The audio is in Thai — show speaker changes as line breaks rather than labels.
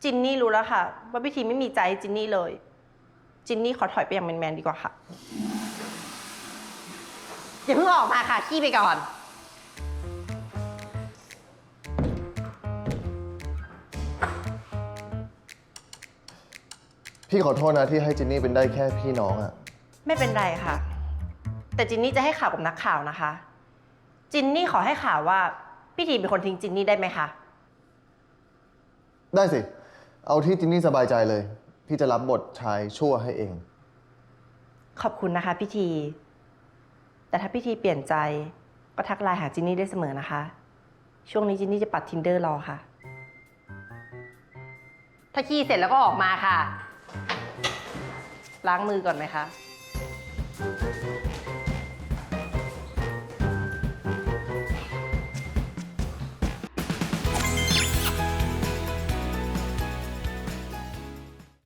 จินนี่รู้แล้วค่ะว่าพี่ทีไม่มีใจจินนี่เลยจินนี่ขอถอยไปอย่างแมนๆดีกว่าค่ะอย่าเพิ่งออกมาค่ะขี้ไปก่อน
พี่ขอโทษนะที่ให้จินนี่เป็นได้แค่พี่น้องอะ
ไม่เป็นไรค่ะแต่จินนี่จะให้ข่าวกับนักข่าวนะคะจินนี่ขอให้ข่าวว่าพี่ทีเป็นคนทิ้งจินนี่ได้ไหมคะ
ได้สิเอาที่จินนี่สบายใจเลยพี่จะรับบทชายชั่วให้เอง
ขอบคุณนะคะพี่ทีแต่ถ้าพี่ทีเปลี่ยนใจก็ทักไลน์หาจินนี่ได้เสมอนะคะช่วงนี้จินนี่จะปัด Tinder รอค่ะถ้าขี้เสร็จแล้วก็ออกมาค่ะล้างมือก่อนไหมคะ